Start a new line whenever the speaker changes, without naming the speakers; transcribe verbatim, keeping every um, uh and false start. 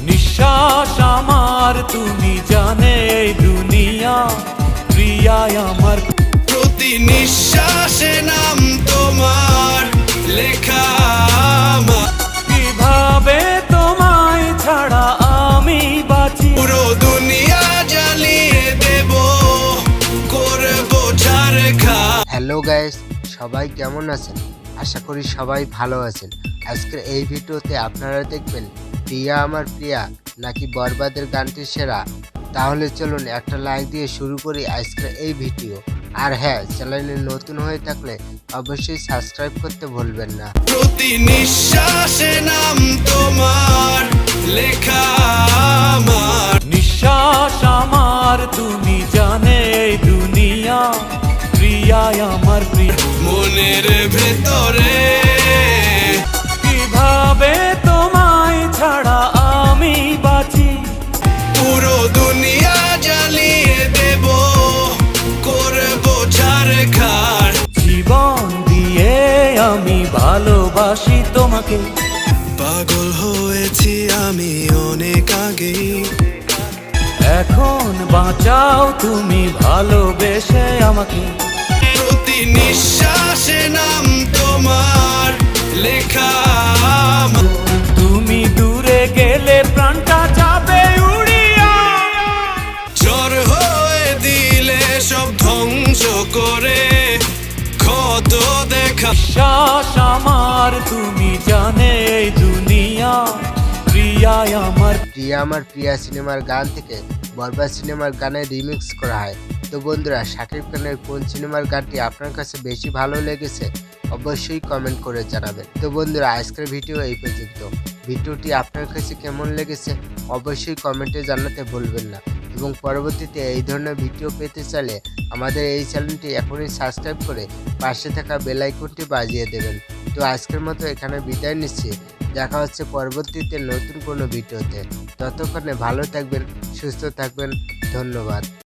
নিঃশ্বাস আমার তুমি জানে এই দুনিয়া, প্রিয়া আমার।
প্রতি নিঃশ্বাসে নাম তোমার লেখা আমার।
কিভাবে তোমায় ছাড়া আমি বাঁচি,
পুরো দুনিয়া জ্বালিয়ে দেব, করবো ঝাড়খা।
হ্যালো গাইস, সবাই কেমন আছেন? আশা করি সবাই ভালো আছেন। আজকের এই ভিডিওতে আপনারা দেখবেন প্রিয়া আমার প্রিয়া নাকি বরবাদের গানটি সেরা। তাহলে চলুন একটা লাইক দিয়ে শুরু করি আজকের এই ভিডিও। আর হ্যাঁ, চ্যানেলে নতুন হয়ে থাকলে অবশ্যই সাবস্ক্রাইব করতে ভুলবেন না।
প্রতি নিঃশ্বাসে নাম তোমার লেখা আমার।
নিঃশ্বাস আমার তুমি জানে এই দুনিয়া, প্রিয়া আমার প্রিয়া।
মনের ভেতরে
কিভাবে তোমায় ছাড়া আমি বাঁচি,
পুরো দুনিয়া জ্বালিয়ে দেব, করবো ঝাড়খার।
জীবন দিয়ে আমি ভালোবাসি তোমাকে।
পাগল হয়েছি আমি অনেক আগেই,
এখন বাঁচাও তুমি ভালোবেসে আমাকে।
প্রতি নিঃশ্বাসে নাম তোমার লেখা আমার।
তুমি দূরে গেলে প্রাণটা যাবে উড়িয়া,
ঝড় হয়ে দিলে সব ধ্বংস করে ক্ষত দেখা।
শ্বাস আমার তুমি জানে এই দুনিয়া, প্রিয়া আমার।
প্রিয়া আমার প্রিয়া সিনেমার গান থেকে বরবাদ সিনেমার গানে রিমিক্স করা হয়। তো বন্ধুরা, শাকিব খানের কোন সিনেমার গানটি আপনার কাছে বেশি ভালো লেগেছে অবশ্যই কমেন্ট করে জানাবেন। তো বন্ধুরা, আজকের ভিডিও এই পর্যন্ত। ভিডিওটি আপনার কাছে কেমন লেগেছে অবশ্যই কমেন্টে জানাতে ভুলবেন না। এবং পরবর্তীতে এই ধরনের ভিডিও পেতে চাইলে আমাদের এই চ্যানেলটি এখনই সাবস্ক্রাইব করে পাশে থাকা বেল আইকনটি বাজিয়ে দেবেন। তো আজকের মতো এখানে বিদায় নিচ্ছি। দেখা হচ্ছে পরবর্তীতে নতুন কোনো ভিডিওতে। ততক্ষণে ভালো থাকবেন, সুস্থ থাকবেন। ধন্যবাদ।